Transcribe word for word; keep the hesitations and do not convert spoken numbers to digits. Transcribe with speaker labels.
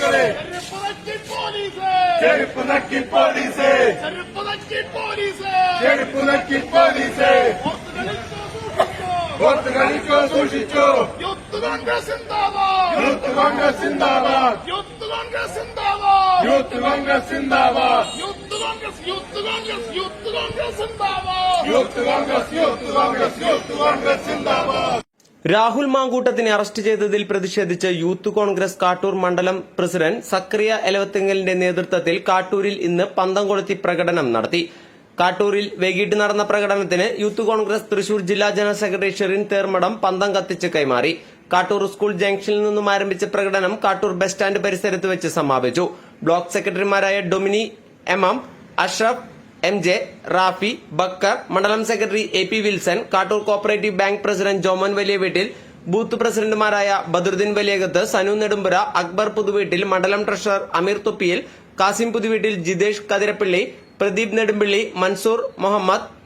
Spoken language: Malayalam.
Speaker 1: മക്കളെ ചെരുപ്പ് നക്കി പോലീസ് ചെരുപ്പ് നക്കി പോലീസ് ഓർത്ത് കളിക്കോ സൂക്ഷിച്ചോ
Speaker 2: യൂത്ത് കോൺഗ്രസ് സിന്ദാബാദ്
Speaker 1: യൂത്ത് കോൺഗ്രസ് സിന്ദാബാദ്
Speaker 2: യൂത്ത് കോൺഗ്രസ് സിന്ദാബാദ്
Speaker 1: യൂത്ത് കോൺഗ്രസ് സിന്ദാബാദ്
Speaker 2: യൂത്ത് കോൺഗ്രസ് യൂത്ത് കോൺഗ്രസ് യൂത്ത് കോൺഗ്രസ് സിന്ദാബാദ്
Speaker 1: യൂത്ത് കോൺഗ്രസ് യൂത്ത് കോൺഗ്രസ് യൂത്ത് കോൺഗ്രസ് സിന്ദാബാദ്.
Speaker 3: രാഹുൽ മാങ്കൂട്ടത്തിനെ അറസ്റ്റ് ചെയ്തതിൽ പ്രതിഷേധിച്ച് യൂത്ത് കോൺഗ്രസ് കാട്ടൂർ മണ്ഡലം പ്രസിഡന്റ് സക്കറിയ എലവത്തിങ്ങലിന്റെ നേതൃത്വത്തിൽ കാട്ടൂരിൽ ഇന്ന് പന്തം കൊളുത്തി പ്രകടനം നടത്തി. കാട്ടൂരിൽ വൈകിട്ട് നടന്ന പ്രകടനത്തിന് യൂത്ത് കോൺഗ്രസ് തൃശൂർ ജില്ലാ ജനറൽ സെക്രട്ടറി ഷെറിൻ തേർമടം പന്തം കത്തിച്ച് കൈമാറി. കാട്ടൂർ സ്കൂൾ ജംഗ്ഷനിൽ നിന്നും ആരംഭിച്ച പ്രകടനം കാട്ടൂർ ബസ് സ്റ്റാൻഡ് പരിസരത്ത് വെച്ച് സമാപിച്ചു. ബ്ലോക്ക് സെക്രട്ടറിമാരായ Domini M M, Ashraf, M J, Rafi, Bakkar, മണ്ഡലം secretary A P Wilson, Kattoor cooperative bank president Joman വലിയ വീട്ടിൽ, ബൂത്ത് പ്രസിഡന്റുമാരായ ബദറുദ്ദീൻ വലിയകത്ത്, സനു നെടുമ്പുര, അക്ബർ പുതുവീട്ടിൽ, മണ്ഡലം ട്രഷറർ അമീർ തൊപ്പിയിൽ, കാസിം പുതുവീട്ടിൽ, ജിതേഷ് കതിരപ്പള്ളി, പ്രദീപ് നെടുമ്പള്ളി, മൻസൂർ മുഹമ്മദ്,